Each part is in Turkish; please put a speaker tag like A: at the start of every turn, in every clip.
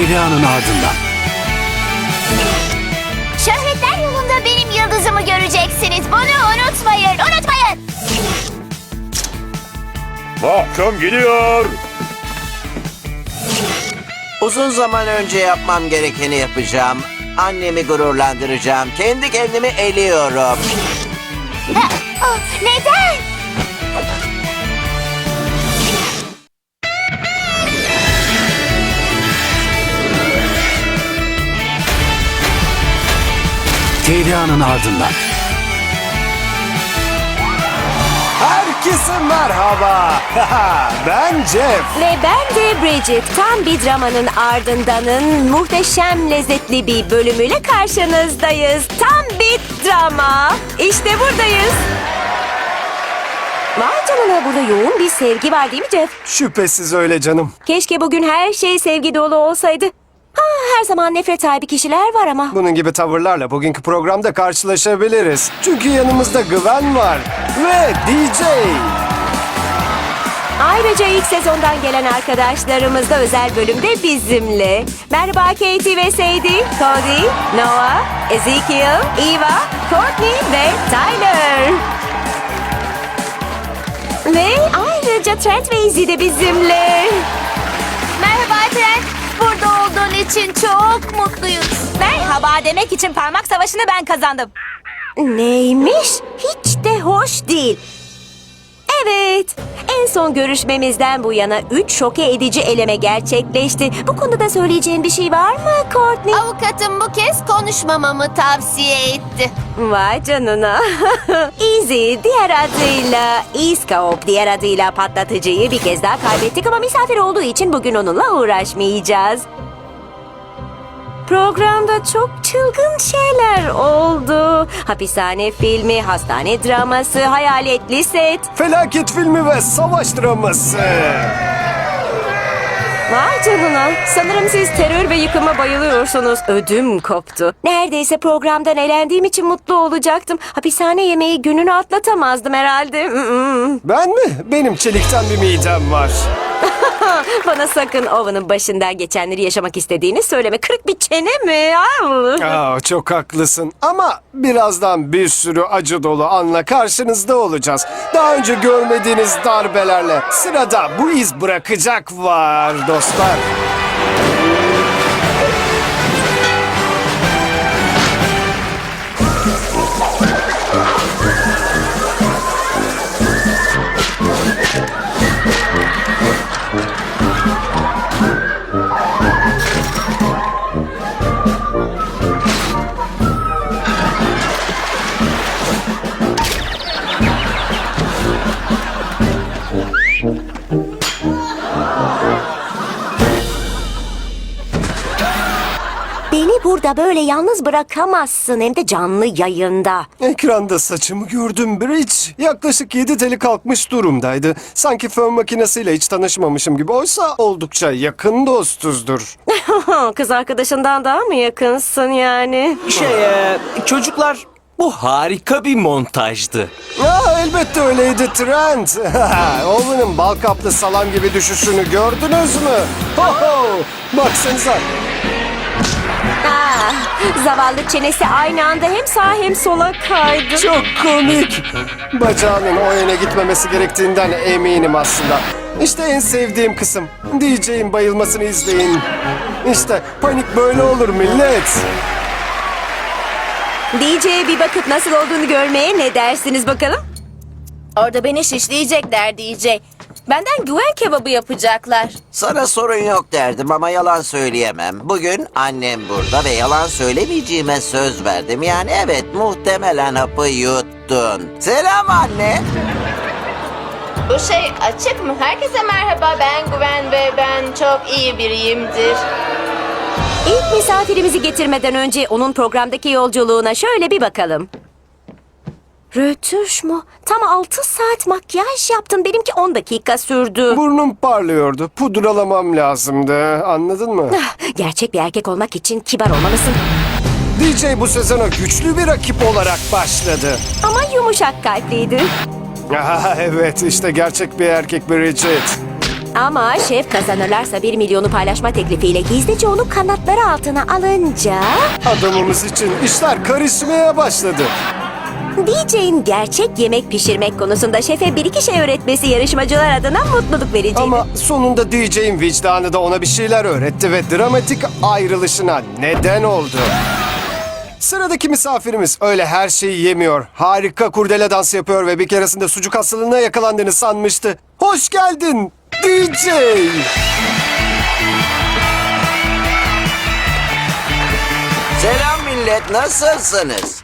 A: Feriha'nın ardından.
B: Şöhretler yolunda benim yıldızımı göreceksiniz. Bunu unutmayın, unutmayın.
C: Mahkum gidiyor.
D: Uzun zaman önce yapmam gerekeni yapacağım. Annemi gururlandıracağım. Kendi kendimi eliyorum.
B: Neden?
A: Feriha'nın ardından.
E: Herkese merhaba. Ben Jeff.
F: Ve ben de Bridget. Tam bir dramanın ardındanın muhteşem lezzetli bir bölümüyle karşınızdayız. Tam bir drama. İşte buradayız. Vay canına, burada yoğun bir sevgi var değil mi Jeff?
E: Şüphesiz öyle canım.
F: Keşke bugün her şey sevgi dolu olsaydı. Ha, her zaman nefret sahibi kişiler var ama.
E: Bunun gibi tavırlarla bugünkü programda karşılaşabiliriz. Çünkü yanımızda Gwen var ve DJ.
F: Ayrıca ilk sezondan gelen arkadaşlarımız da özel bölümde bizimle. Merhaba Katie ve Sadie, Cody, Noah, Ezekiel, Eva, Courtney ve Tyler. Ve ayrıca Trent ve Izzy de bizimle.
B: Merhaba Trent. Burada olduğun için çok mutluyuz.
F: Merhaba demek için parmak savaşını ben kazandım. Neymiş? Hiç de hoş değil. Evet, en son görüşmemizden bu yana 3 şoke edici eleme gerçekleşti. Bu konuda söyleyeceğin bir şey var mı Courtney?
B: Avukatım bu kez konuşmamamı tavsiye etti.
F: Vay canına. Easy diğer adıyla E-Scope diğer adıyla patlatıcıyı bir kez daha kaybettik ama misafir olduğu için bugün onunla uğraşmayacağız. Programda çok çılgın şeyler oldu. Hapishane filmi, hastane draması, hayaletli set.
E: Felaket filmi ve savaş draması.
F: Vay canına. Sanırım siz terör ve yıkıma bayılıyorsunuz. Ödüm koptu. Neredeyse programdan elendiğim için mutlu olacaktım. Hapishane yemeği gününü atlatamazdım herhalde.
E: Ben mi? Benim çelikten bir midem var.
F: Bana sakın Owen'ın başından geçenleri yaşamak istediğini söyleme. Kırık bir çene mi?
E: Aa, çok haklısın. Ama birazdan bir sürü acı dolu anla karşınızda olacağız. Daha önce görmediğiniz darbelerle. Sırada bu iz bırakacak var dostlar.
F: Beni burada böyle yalnız bırakamazsın. Hem de canlı yayında.
E: Ekranda saçımı gördüm Bridge. Yaklaşık 7 teli kalkmış durumdaydı. Sanki fön makinesiyle hiç tanışmamışım gibi. Oysa oldukça yakın dostuzdur.
F: Kız arkadaşından daha mı yakınsın yani?
G: Çocuklar, bu harika bir montajdı.
E: Elbette öyleydi Trent. Owen'ın bal kaplı salam gibi düşüşünü gördünüz mü? Baksanıza.
F: Zavallı çenesi aynı anda hem sağa hem sola kaydı.
E: Çok komik. Bacağının o yöne gitmemesi gerektiğinden eminim aslında. İşte en sevdiğim kısım. DJ'in bayılmasını izleyin. İşte panik böyle olur millet.
F: DJ'ye bir bakıp nasıl olduğunu görmeye ne dersiniz bakalım?
H: Orada beni şişleyecekler DJ. Benden güven kebabı yapacaklar.
D: Sana sorun yok derdim ama yalan söyleyemem. Bugün annem burada ve yalan söylemeyeceğime söz verdim. Yani evet, muhtemelen hapı yuttun. Selam anne.
H: Bu şey açık mı? Herkese merhaba, ben Güven ve ben çok iyi biriyimdir.
F: İlk misafirimizi getirmeden önce onun programdaki yolculuğuna şöyle bir bakalım. Rötuş mu? Tam 6 saat makyaj yaptın. Benimki 10 dakika sürdü.
E: Burnum parlıyordu. Pudralamam lazımdı. Anladın mı?
F: Gerçek bir erkek olmak için kibar olmalısın.
E: DJ bu sezona güçlü bir rakip olarak başladı.
F: Ama yumuşak kalpliydi.
E: Evet, işte gerçek bir erkek Bridget.
F: Ama şef kazanırlarsa 1 milyonu paylaşma teklifiyle gizlice onu kanatları altına alınca...
E: Adamımız için işler karışmaya başladı.
F: DJ'in gerçek yemek pişirmek konusunda şefe bir iki şey öğretmesi yarışmacılar adına mutluluk vericiydi.
E: Ama sonunda DJ'in vicdanı da ona bir şeyler öğretti ve dramatik ayrılışına neden oldu. Sıradaki misafirimiz öyle her şeyi yemiyor. Harika kurdele dansı yapıyor ve bir keresinde sucuk hastalığına yakalandığını sanmıştı. Hoş geldin DJ.
D: Selam millet, nasılsınız?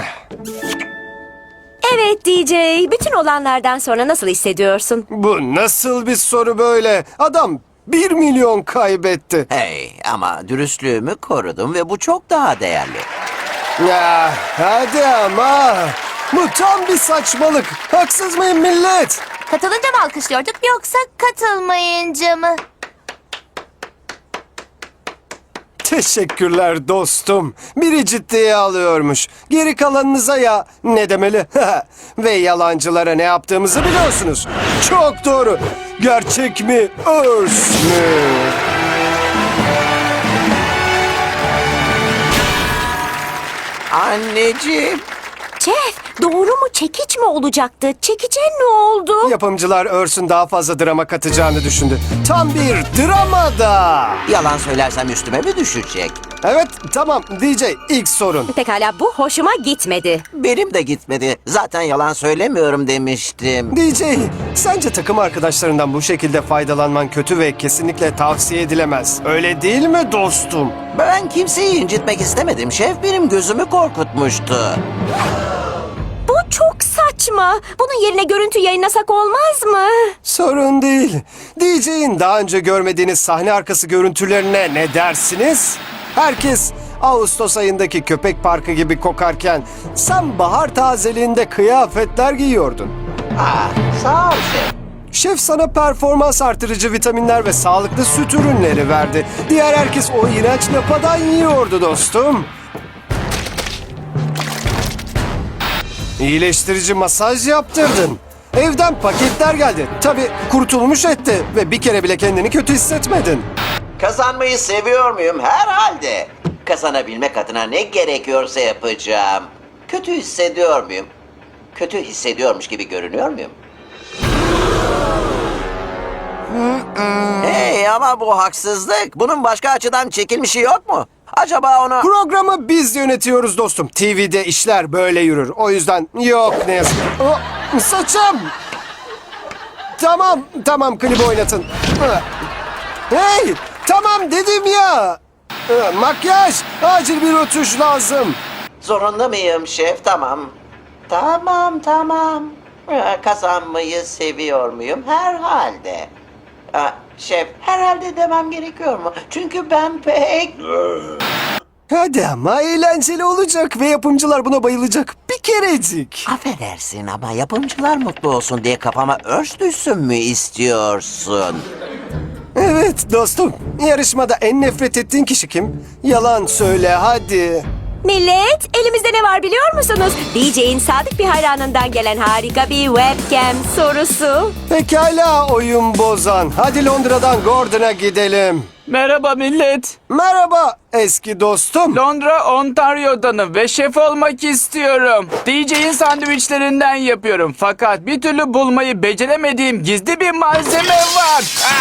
F: Evet DJ, bütün olanlardan sonra nasıl hissediyorsun?
E: Bu nasıl bir soru böyle? Adam 1 milyon kaybetti.
D: Hey, ama dürüstlüğümü korudum ve bu çok daha değerli.
E: Ya hadi ama. Bu tam bir saçmalık. Haksız mıyım millet?
B: Katılınca mı alkışlıyorduk yoksa katılmayınca mı?
E: Teşekkürler dostum. Biri ciddiye alıyormuş. Geri kalanınıza ya ne demeli? Ve yalancılara ne yaptığımızı biliyorsunuz. Çok doğru. Gerçek mi, örs mü?
D: Anneciğim.
F: Şef, doğru mu çekiç mi olacaktı? Çekiçe ne oldu?
E: Yapımcılar örsün daha fazla drama katacağını düşündü. Tam bir dramada.
D: Yalan söylersem üstüme mi düşecek?
E: Evet tamam DJ ilk sorun.
F: Pekala, bu hoşuma gitmedi.
D: Benim de gitmedi. Zaten yalan söylemiyorum demiştim.
E: DJ sence takım arkadaşlarından bu şekilde faydalanman kötü ve kesinlikle tavsiye edilemez. Öyle değil mi dostum?
D: Ben kimseyi incitmek istemedim. Şef benim gözümü korkutmuştu.
F: Bu çok saçma. Bunun yerine görüntü yayınlasak olmaz mı?
E: Sorun değil. DJ'in daha önce görmediğiniz sahne arkası görüntülerine ne dersiniz? Herkes Ağustos ayındaki köpek parkı gibi kokarken sen bahar tazeliğinde kıyafetler giyiyordun.
D: Sağ ol şef.
E: Şef sana performans artırıcı vitaminler ve sağlıklı süt ürünleri verdi. Diğer herkes o iğrenç lapadan yiyordu dostum. İyileştirici masaj yaptırdın. Evden paketler geldi. Tabii kurtulmuş etti ve bir kere bile kendini kötü hissetmedin.
D: Kazanmayı seviyor muyum? Herhalde. Kazanabilmek adına ne gerekiyorsa yapacağım. Kötü hissediyor muyum? Kötü hissediyormuş gibi görünüyor muyum? Hey ama bu haksızlık. Bunun başka açıdan çekilmişi yok mu? Acaba onu...
E: Programı biz yönetiyoruz dostum. TV'de işler böyle yürür. O yüzden yok ne yazık. Saçım! Tamam klibi oynatın. Hey! Tamam dedim ya! Makyaj! Acil bir rötuş lazım.
D: Zorunda mıyım şef? Tamam. Tamam. Kazanmayı seviyor muyum? Herhalde. Şef, herhalde demem gerekiyor mu? Çünkü ben pek...
E: Hadi ama eğlenceli olacak ve yapımcılar buna bayılacak. Bir kerecik.
D: Affedersin ama yapımcılar mutlu olsun diye kafama örs düşsün mü istiyorsun?
E: Evet dostum. Yarışmada en nefret ettiğin kişi kim? Yalan söyle hadi.
F: Millet, elimizde ne var biliyor musunuz? DJ'in sadık bir hayranından gelen harika bir webcam sorusu.
E: Pekala oyun bozan. Hadi Londra'dan Gordon'a gidelim.
G: Merhaba millet.
E: Merhaba eski dostum.
G: Londra, Ontario'danım ve şef olmak istiyorum. DJ'in sandviçlerinden yapıyorum. Fakat bir türlü bulmayı beceremediğim gizli bir malzeme var.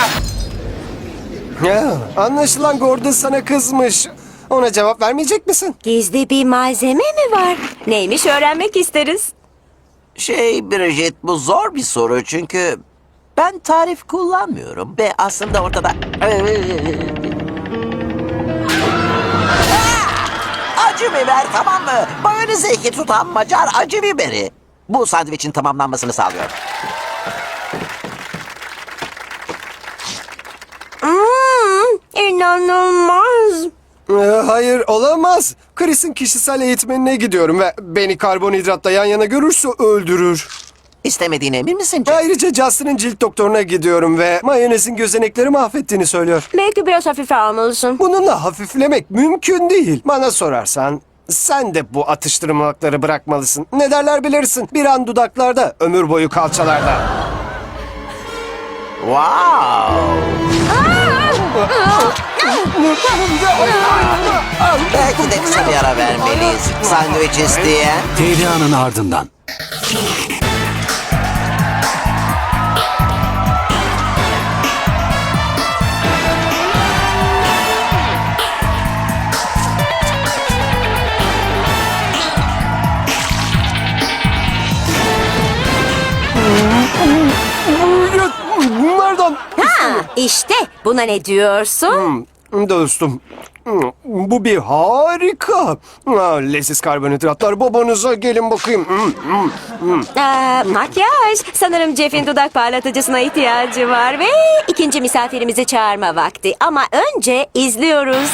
E: Ya, anlaşılan Gordon sana kızmış. Ona cevap vermeyecek misin?
F: Gizli bir malzeme mi var? Neymiş öğrenmek isteriz.
D: Bridget, bu zor bir soru çünkü ben tarif kullanmıyorum ve aslında ortada... Acı biber, tamam mı? Mayonezi iki tutan Macar acı biberi. Bu sandviçin tamamlanmasını sağlıyor.
F: İnanılmaz.
E: Hayır olamaz. Chris'in kişisel eğitmenine gidiyorum ve beni karbonhidratla yan yana görürse öldürür.
D: İstemediğine emin misin Jack?
E: Ayrıca Justin'in cilt doktoruna gidiyorum ve mayonezin gözenekleri mahvettiğini söylüyor.
F: Belki biraz hafife almalısın.
E: Bununla hafiflemek mümkün değil. Bana sorarsan sen de bu atıştırmalıkları bırakmalısın. Ne derler bilirsin. Bir an dudaklarda, ömür boyu kalçalarda.
D: Wow. Belki de kısa bir ara vermeliyiz. Sandviç isteyen.
A: Tehra'nın ardından.
E: Nereden?
F: Ha, işte buna ne diyorsun?
E: Dostum, bu bir harika. Leziz karbonhidratlar babanıza gelin bakayım.
F: Makyaj. Sanırım Jeff'in dudak parlatıcısına ihtiyacı var ve ikinci misafirimizi çağırma vakti. Ama önce izliyoruz.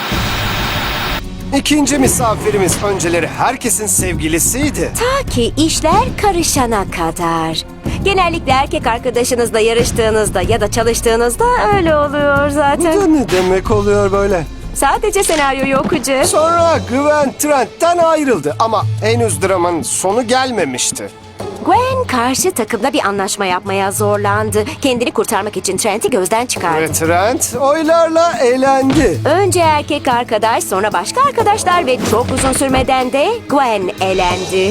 E: İkinci misafirimiz önceleri herkesin sevgilisiydi.
F: Ta ki işler karışana kadar. Genellikle erkek arkadaşınızla yarıştığınızda ya da çalıştığınızda öyle oluyor
E: Bu
F: zaten.
E: da ne demek oluyor böyle?
F: Sadece senaryoyu okucu.
E: Sonra Gwen Trent'ten ayrıldı ama henüz dramanın sonu gelmemişti.
F: Gwen karşı takımda bir anlaşma yapmaya zorlandı. Kendini kurtarmak için Trent'i gözden çıkardı.
E: Ve Trent oylarla elendi.
F: Önce erkek arkadaş, sonra başka arkadaşlar ve çok uzun sürmeden de Gwen elendi.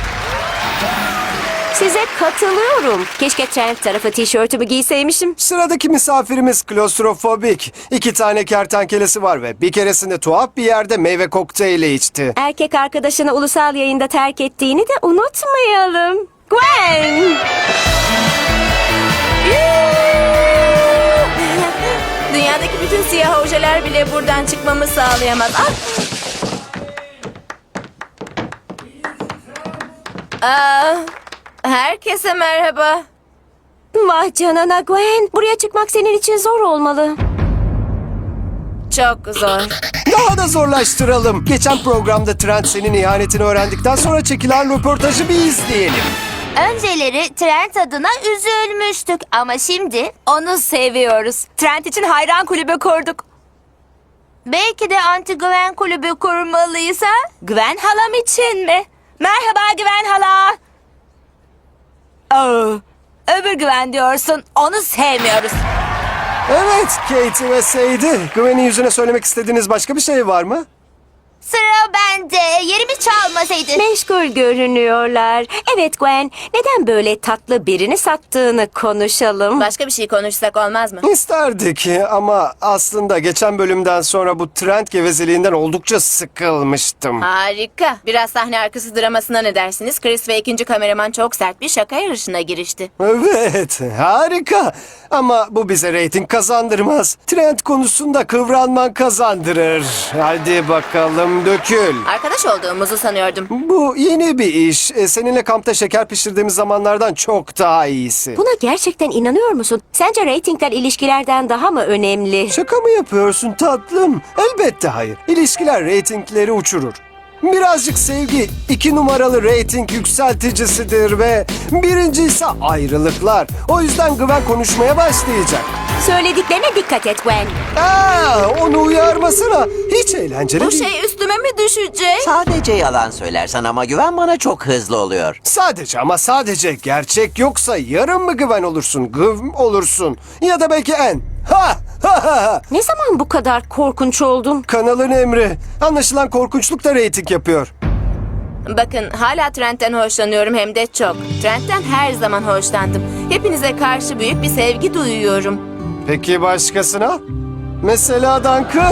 F: Size katılıyorum. Keşke Trent tarafı tişörtümü giyseymişim.
E: Sıradaki misafirimiz klostrofobik. 2 tane kertenkelesi var ve bir keresinde tuhaf bir yerde meyve kokteyli içti.
F: Erkek arkadaşını ulusal yayında terk ettiğini de unutmayalım. Gwen!
H: Dünyadaki bütün siyah ojeler bile buradan çıkmamı sağlayamaz. Herkese merhaba.
F: Vah canına Gwen. Buraya çıkmak senin için zor olmalı.
H: Çok zor.
E: Daha da zorlaştıralım. Geçen programda Trent senin ihanetini öğrendikten sonra çekilen röportajı bir izleyelim.
B: Önceleri Trent adına üzülmüştük ama şimdi
F: Onu seviyoruz. Trent için hayran kulübü kurduk.
B: belki de anti-Gwen kulübü kurmalıyız ha?
F: Gwen halam için mi? Merhaba Gwen hala. Öbür Gwen diyorsun. Onu sevmiyoruz.
E: Evet, Katie ve Sadie. Gwen'in yüzüne söylemek istediğiniz başka bir şey var mı?
B: Sıra bende. Yerimi çalmasaydı.
F: Meşgul görünüyorlar. Evet Gwen, neden böyle tatlı birini sattığını konuşalım.
H: Başka bir şey konuşsak olmaz mı?
E: İsterdik ama aslında geçen bölümden sonra bu Trent gevezeliğinden oldukça sıkılmıştım.
H: Harika. Biraz sahne arkası dramasına ne dersiniz? Chris ve ikinci kameraman çok sert bir şaka yarışına girişti.
E: Evet, harika. Ama bu bize reyting kazandırmaz. Trent konusunda kıvranman kazandırır. Hadi bakalım dökül.
H: Arkadaş olduğumuzu sanıyordum.
E: Bu yeni bir iş. Seninle kampta şeker pişirdiğimiz zamanlardan çok daha iyisi.
F: Buna gerçekten inanıyor musun? Sence reytingler ilişkilerden daha mı önemli?
E: Şaka mı yapıyorsun tatlım? Elbette hayır. İlişkiler reytingleri uçurur. Birazcık sevgi 2 numaralı reyting yükselticisidir ve birinci ise ayrılıklar. O yüzden Gwen konuşmaya başlayacak.
F: Söylediklerine dikkat et Gwen.
E: Onu uyarmasına. Hiç eğlenceli
H: Bu
E: değil.
H: şey üstüme mi düşecek?
D: Sadece yalan söylersen ama Güven bana çok hızlı oluyor.
E: Sadece ama sadece gerçek yoksa yarın mı Gwen olursun, Gıv olursun ya da belki en. Ha!
F: Ne zaman bu kadar korkunç oldun?
E: Kanalın emri. Anlaşılan korkunçluk da reyting yapıyor.
H: Bakın hala Trent'ten hoşlanıyorum hem de çok. Trent'ten her zaman hoşlandım. Hepinize karşı büyük bir sevgi duyuyorum.
E: Peki başkasına? Mesela Duncan.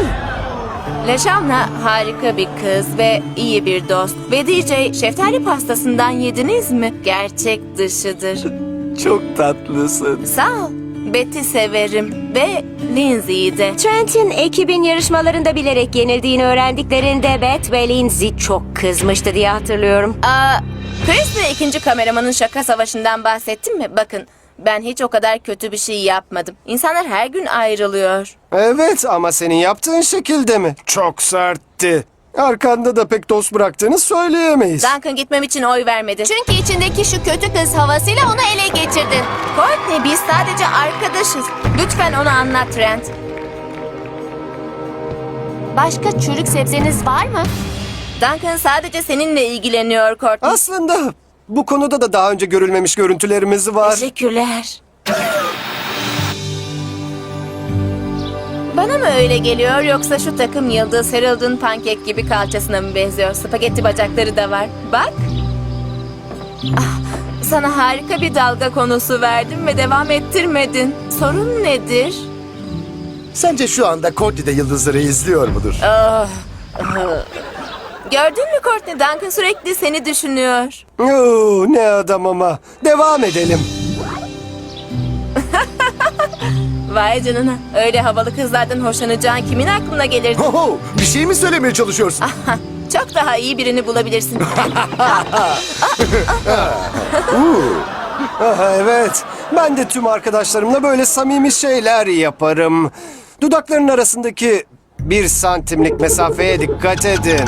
H: Leşanla harika bir kız ve iyi bir dost. Ve DJ şeftali pastasından yediniz mi? Gerçek dışıdır.
D: Çok tatlısın.
H: Sağ ol. Betty severim ve Lindsay'i de.
F: Trent'in ekibin yarışmalarında bilerek yenildiğini öğrendiklerinde Beth ve Lindsay çok kızmıştı diye hatırlıyorum.
H: Chris ve ikinci kameramanın şaka savaşından bahsettim mi? Bakın ben hiç o kadar kötü bir şey yapmadım. İnsanlar her gün ayrılıyor.
E: Evet ama senin yaptığın şekilde mi? Çok sertti. Arkanda da pek dost bıraktığını söyleyemeyiz.
H: Duncan gitmem için oy vermedi.
B: Çünkü içindeki şu kötü kız havasıyla onu ele getirdin.
H: Courtney biz sadece arkadaşız. Lütfen onu anlat Trent.
B: Başka çürük sebzeniz var mı?
H: Duncan sadece seninle ilgileniyor Courtney.
E: Aslında bu konuda da daha önce görülmemiş görüntülerimiz var.
H: Teşekkürler. Bana mı öyle geliyor yoksa şu takım yıldız Harold'un pankek gibi kalçasına mı benziyor? Spagetti bacakları da var. Bak. Ah, sana harika bir dalga konusu verdim ve devam ettirmedin. Sorun nedir?
I: Sence şu anda Courtney de yıldızları izliyor mudur?
H: Gördün mü Courtney? Duncan sürekli seni düşünüyor.
E: Oo, ne adam ama. Devam edelim.
H: Vay canına. Öyle havalı kızlardan hoşlanacağın kimin aklına gelirdi?
I: Ho, bir şey mi söylemeye çalışıyorsun?
H: Çok daha iyi birini bulabilirsin.
E: Aha, evet. Ben de tüm arkadaşlarımla böyle samimi şeyler yaparım. Dudakların arasındaki 1 santimlik mesafeye dikkat edin.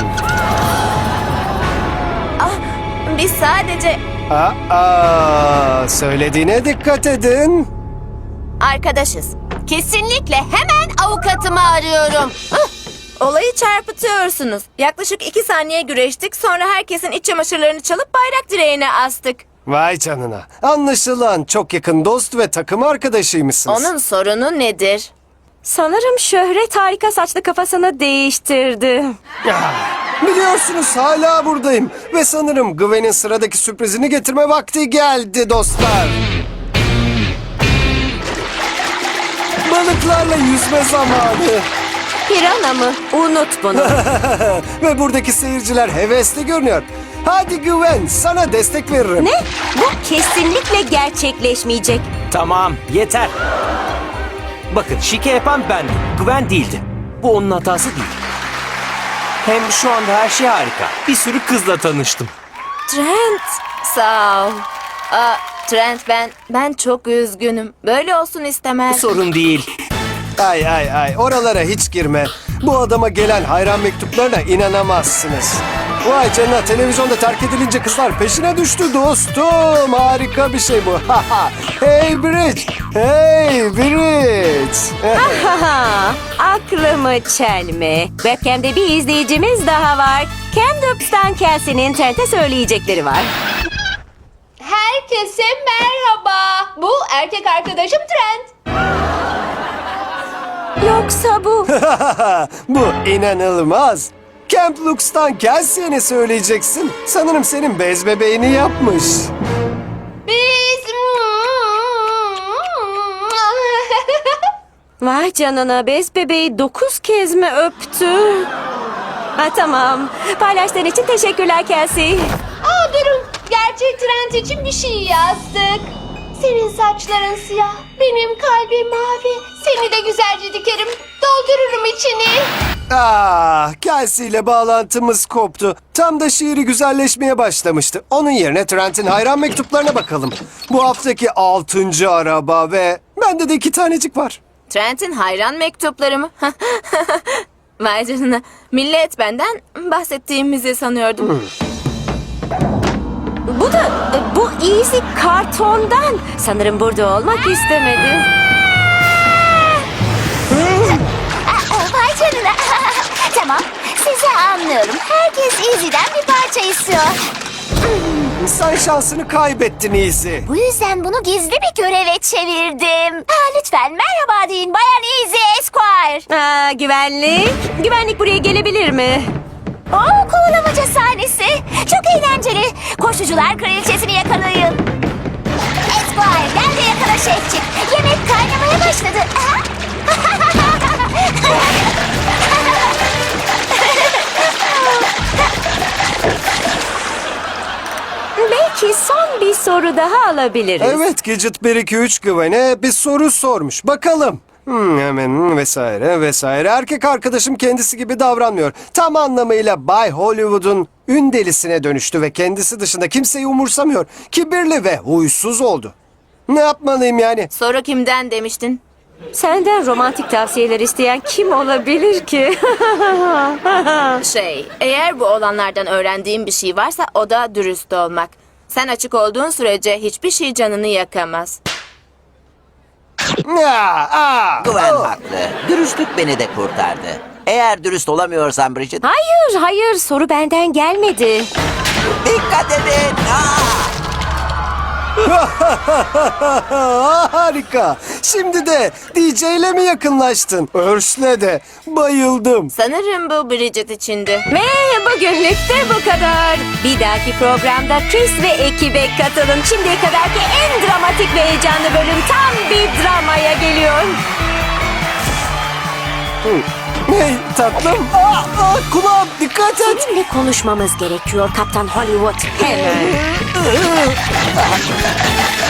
H: Biz sadece
E: Söylediğine dikkat edin.
H: arkadaşız.
B: Kesinlikle hemen avukatımı arıyorum.
H: Olayı çarpıtıyorsunuz. Yaklaşık 2 saniye güreştik, sonra herkesin iç çamaşırlarını çalıp bayrak direğine astık.
E: Vay canına. Anlaşılan çok yakın dost ve takım arkadaşıymışsınız.
H: Onun sorunu nedir?
F: Sanırım şöhret harika saçlı kafasını değiştirdi.
E: Biliyorsunuz hala buradayım. Ve sanırım Gwen'in sıradaki sürprizini getirme vakti geldi dostlar. Balıklarla yüzme zamanı.
F: Pirana mı? Unut bunu.
E: Ve buradaki seyirciler hevesli görünüyor. Hadi Gwen, sana destek veririm.
F: Ne? Bu kesinlikle gerçekleşmeyecek.
A: Tamam, yeter. Bakın, şike yapan bendim. Gwen değildi. Bu onun hatası değil. Hem şu anda her şey harika. Bir sürü kızla tanıştım.
H: Trent, sağ ol. Trent, ben çok üzgünüm. Böyle olsun istemez.
A: Sorun değil.
E: Ay, oralara hiç girme. Bu adama gelen hayran mektuplarına inanamazsınız. Vay canına, televizyonda terk edilince kızlar peşine düştü dostum. Harika bir şey bu. Hey Bridge! Hey Bridge!
F: Haha, aklımı çelme. Webcam'de bir izleyicimiz daha var. Camdups'tan Kelsey'nin Trent'e söyleyecekleri var.
B: Herkese merhaba. Bu erkek arkadaşım Trent.
F: Yoksa bu...
E: Bu inanılmaz. Camp Lux'tan Kelsey'e ne söyleyeceksin? Sanırım senin bez bebeğini yapmış.
B: Biz...
F: Vay canına, bez bebeği 9 kez mi öptü? Ha, tamam. Paylaştığın için teşekkürler Kelsey.
B: Durun. Gerçek Trent için bir şey yazdık. Senin saçların siyah, benim kalbim mavi. Seni de güzelce dikerim, doldururum içini.
E: Kelsey ile bağlantımız koptu. Tam da şiiri güzelleşmeye başlamıştı. Onun yerine Trent'in hayran mektuplarına bakalım. Bu haftaki 6. araba ve bende de 2 tanecik var.
H: Trent'in hayran mektupları mı? Vay canına. Millet benden bahsettiğimizi sanıyordum.
F: Bu Easy kartondan. Sanırım burada olmak istemedi.
B: Vay canına. Tamam, sizi anlıyorum. Herkes Easy'den bir parça istiyor.
E: Sen şansını kaybettin Easy.
B: Bu yüzden bunu gizli bir göreve çevirdim. Lütfen merhaba deyin Bayan Easy Esquire.
F: Güvenlik. Güvenlik buraya gelebilir mi?
B: Kovalamaca sahnesi. Çok eğlenceli. Koşucular kraliçesini yakalayın. Esquire gel de yakala şefçik. Yemek kaynamaya başladı.
F: Belki son bir soru daha alabiliriz.
E: Evet, Gidget 1-2-3 Gwen'e bir soru sormuş. Bakalım. Hemen vesaire. Erkek arkadaşım kendisi gibi davranmıyor. Tam anlamıyla Bay Hollywood'un ün delisine dönüştü ve kendisi dışında kimseyi umursamıyor. Kibirli ve huysuz oldu. Ne yapmalıyım yani?
H: Soru kimden demiştin?
F: Senden romantik tavsiyeler isteyen kim olabilir ki?
H: Eğer bu olanlardan öğrendiğim bir şey varsa o da dürüst olmak. Sen açık olduğun sürece hiçbir şey canını yakamaz.
D: Gwen haklı. Dürüstlük beni de kurtardı. Eğer dürüst olamıyorsan Bridget,
F: Hayır, soru benden gelmedi.
D: dikkat edin.
E: Harika. Şimdi de DJ ile mi yakınlaştın? Örs'le de bayıldım.
H: Sanırım bu Bridget içindi.
F: Ve bugünlük de bu kadar. Bir dahaki programda Chris ve ekibe katılın. Şimdiye kadarki en dramatik ve heyecanlı bölüm tam bir dramaya geliyor.
E: Hey tatlım. Kulağım dikkat et.
F: Seninle konuşmamız gerekiyor Kaptan Hollywood. Hemen.